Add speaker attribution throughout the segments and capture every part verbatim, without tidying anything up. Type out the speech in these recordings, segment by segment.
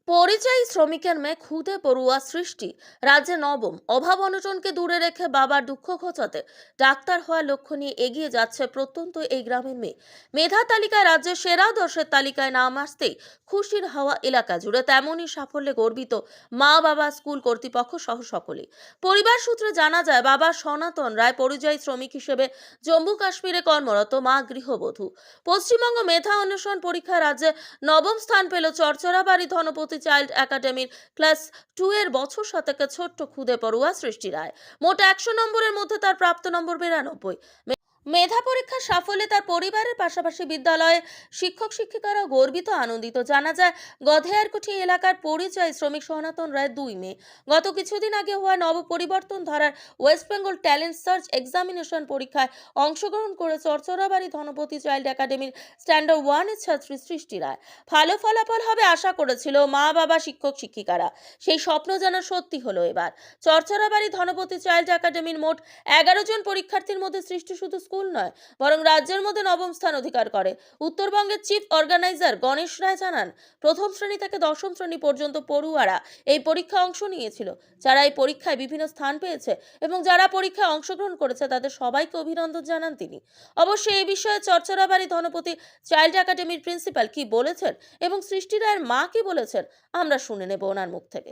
Speaker 1: পরিযায়ী শ্রমিকের মেয়ে খুদে পড়ুয়া সৃষ্টি রাজ্যে নবম। অভাব অনটনকে দূরে রেখে বাবার দুঃখ ঘোচাতে ডাক্তার হওয়ার লক্ষ্য নিয়ে এগিয়ে যাচ্ছে প্রত্যন্ত এই গ্রামের মেয়ে। মেধা তালিকায় রাজ্যের সেরা দশের তালিকায় নাম আসতেই খুশির হাওয়া এলাকা জুড়ে। তেমনই সাফল্যে গর্বিত মা, বাবা, স্কুল কর্তৃপক্ষ সহ সকলেই। পরিবার সূত্রে জানা যায়, বাবা সনাতন রায় পরিযায়ী শ্রমিক হিসেবে জম্মু কাশ্মীরে কর্মরত, মা গৃহবধূ। পশ্চিমবঙ্গ মেধা অন্বেষণ পরীক্ষায় রাজ্যে নবম স্থান পেল চরচরাবাড়ি ধনপতি চাইল্ড একাডেমির ক্লাস টু এর বছর শতকের ছোট্ট খুদে পড়ুয়া সৃষ্টি রায়। মোট একশো নম্বরের মধ্যে তার প্রাপ্ত নম্বর বিরানব্বই। মেধা পরীক্ষার সাফল্যে তার পরিবারের পাশাপাশি বিদ্যালয়ে শিক্ষক শিক্ষিকারাও গর্বিত, আনন্দিত। জানা যায়, গধেয়ারকুঠি এলাকার পরিযায়ী শ্রমিক সনাতন রায় দুই মেয়ে গত কিছুদিন আগে হওয়া নব পরিবর্তন ধারার West Bengal talent search examination পরীক্ষায় অংশগ্রহণ করে চরচরাবাড়ি ধনপতি চাইল্ড একাডেমির স্ট্যান্ডার্ড ওয়ানের ছাত্রী সৃষ্টি রায়। ভালো ফলাফল হবে আশা করেছিল মা, বাবা, শিক্ষক শিক্ষিকারা। সেই স্বপ্ন যেন সত্যি হলো এবার। চরচরাবাড়ি ধনপতি চাইল্ড একাডেমির মোট এগারো জন পরীক্ষার্থীর মধ্যে সৃষ্টি শুধু স্কুল নয়, বরং রাজ্যের মধ্যে নবম স্থান অধিকার করে। উত্তরবঙ্গের চিফ অর্গানাইজার গণেশ রায় জানান, প্রথম শ্রেণী থেকে দশম শ্রেণী পর্যন্ত পড়ুয়ারা এই পরীক্ষায় অংশ নিয়েছিল। যারা এই পরীক্ষায় বিভিন্ন স্থান পেয়েছে এবং যারা পরীক্ষায় অংশগ্রহণ করেছে তাদের সবাইকে অভিনন্দন জানান তিনি। অবশ্যই এই বিষয়ে চরচরাবাড়ি ধনপতি চাইল্ড একাডেমির প্রিন্সিপাল কি বলেছেন এবং সৃষ্টি রায়ের মা কি বলেছেন, আমরা শুনে নেব ওনার মুখ থেকে।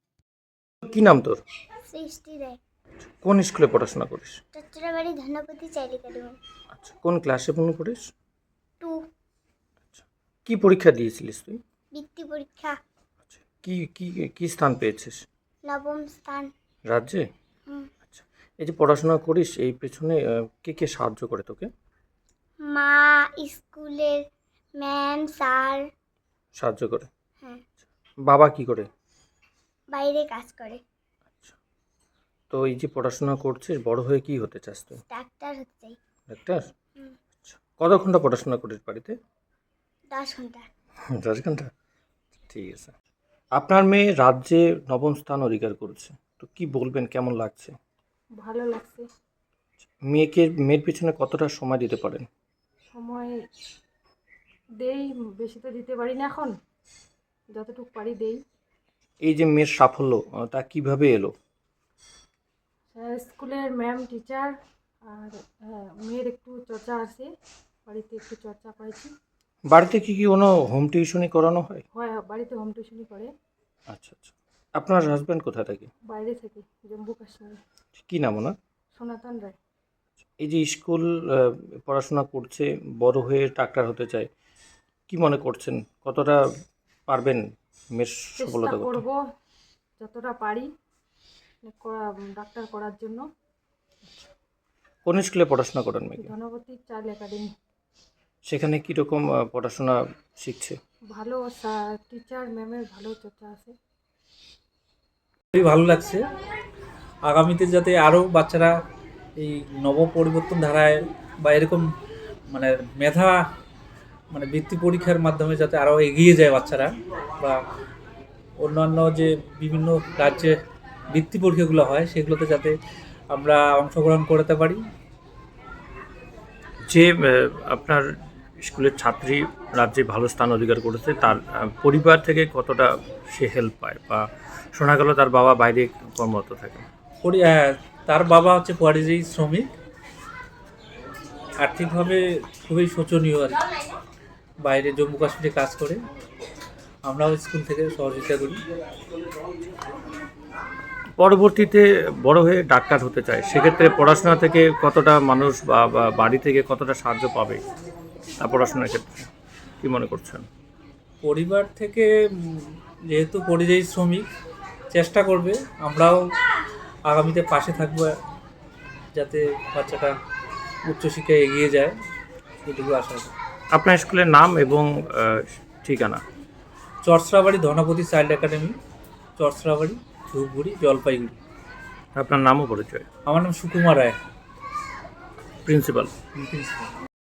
Speaker 2: কি নাম তোর?
Speaker 3: সৃষ্টি রায়।
Speaker 2: কোন স্কুলে পড়াশোনা করিস?
Speaker 3: চট্টগ্রামের ধনপতি চাইল্ড একাডেমি
Speaker 2: আচ্ছা, কোন ক্লাসে পড়াশোনা করিস?
Speaker 3: টু।
Speaker 2: আচ্ছা, কি পরীক্ষা দিয়েছিলিস তুই?
Speaker 3: বৃত্তি পরীক্ষা।
Speaker 2: আচ্ছা, কি কি কি স্থান পেয়েছিস?
Speaker 3: নবম স্থান।
Speaker 2: রাজ্যে?
Speaker 3: হুম।
Speaker 2: আচ্ছা, এই যে পড়াশোনা করিস এই পেছনে আহ, কে কে সাহায্য করে তোকে?
Speaker 3: মা, স্কুলের ম্যাম, স্যার।
Speaker 2: সাহায্য করে?
Speaker 3: হ্যাঁ।
Speaker 2: বাবা কি করে?
Speaker 3: বাইরে কাজ করে।
Speaker 2: আচ্ছা, তো এই যে পড়াশোনা করছিস, বড় হয়ে কি হতে চাস তুই?
Speaker 3: ডাক্তার হতে চাই।
Speaker 2: ডাক্তার?
Speaker 3: হুম।
Speaker 2: আচ্ছা, কত ঘন্টা পড়াশোনা করিস বাড়িতে?
Speaker 3: দশ ঘন্টা।
Speaker 2: দশ ঘন্টা? ঠিক আছে। আপনার মেয়ে রাজ্যে নবম স্থান অধিকার করেছে, তো কি বলবেন, কেমন লাগছে?
Speaker 4: ভালো লাগছে।
Speaker 2: মেয়েকে মেয়ের পিছনে কতটা সময় দিতে পারেন?
Speaker 4: সময় দেই, বেশি তো দিতে পারি না এখন, যতটুকু পারি দেই।
Speaker 2: এই যে মেয়ের সাফল্য আহ, তা কিভাবে এলো?
Speaker 4: আহ, স্কুলের ম্যাম, টিচার আর আহ, মেয়ের একটু চর্চা আছে, বাড়িতে একটু চর্চা করেছি।
Speaker 2: বাড়িতে কি কি কোনো হোম টিউশনি করানো হয়?
Speaker 4: হয়, বাড়িতে হোম টিউশনই করে।
Speaker 2: আচ্ছা আচ্ছা। আপনার হাজব্যান্ড কোথায় থাকে?
Speaker 4: বাইরে থেকে, জম্মু কাশ্মীর।
Speaker 2: কি নাম ওনার?
Speaker 4: সনাতন রায়।
Speaker 2: এই যে স্কুল আহ, পড়াশোনা করছে, বড় হয়ে ডাক্তার হতে চায়, কি মনে করছেন কতটা পারবেন মেয়ের
Speaker 4: চেষ্টা
Speaker 2: সফলতা করতে?
Speaker 4: করব যতটা পারি করা- ডাক্তার করার জন্য।
Speaker 2: কোন স্কুলে পড়াশোনা করেন মেয়েকে?
Speaker 4: Dhanpati child academy.
Speaker 2: সেখানে কীরকম পড়াশোনা শিখছে?
Speaker 4: ভালো টিচার ম্যামের ভালো চর্চা আছে।
Speaker 5: খুবই ভালো লাগছে। আগামীতে যাতে আরও বাচ্চারা এই নব পরিবর্তন ধারায় বা এরকম মানে মেধা মানে বৃত্তি পরীক্ষার মাধ্যমে যাতে আরও এগিয়ে যায় বাচ্চারা, বা অন্যান্য যে বিভিন্ন রাজ্যে বৃত্তি পরীক্ষাগুলো হয় সেগুলোতে যাতে আমরা অংশগ্রহণ করতে পারি।
Speaker 2: যে আহ, আপনার স্কুলের ছাত্রী রাজ্যে ভালো স্থান অধিকার করেছে, তার আহ, পরিবার থেকে কতটা সে হেল্প পায়, বা শোনা গেল তার বাবা বাইরে কর্মরত থাকে?
Speaker 5: পরি- আহ, তার বাবা হচ্ছে পরিযায়ী শ্রমিক, আর্থিকভাবে খুবই শোচনীয় আর কি। বাইরে জম্মু কাশ্মীরে কাজ করে, আমরাও স্কুল থেকে সহযোগিতা করি।
Speaker 2: পরবর্তীতে বড় হয়ে ডাক্তার হতে চায়, সেক্ষেত্রে পড়াশোনা থেকে কতটা মানুষ বা বা বাড়ি থেকে কতটা সাহায্য পাবে তার পড়াশোনার ক্ষেত্রে, কি মনে করছেন?
Speaker 5: পরিবার থেকে উম, যেহেতু পরিযায়ী শ্রমিক, চেষ্টা করবে, আমরাও আগামীতে পাশে থাকবো যাতে বাচ্চাটা উচ্চশিক্ষায় এগিয়ে যায়, এটুকু আশা করি।
Speaker 2: আপনার স্কুলের নাম এবং আহ, ঠিকানা?
Speaker 5: Charcharabari Dhanpati child academy, Charcharabari, Dhupguri, Jalpaiguri.
Speaker 2: আপনার নামও পরিচয়?
Speaker 5: আমার নাম সুকুমার রায়,
Speaker 2: প্রিন্সিপাল?
Speaker 5: প্রিন্সিপাল।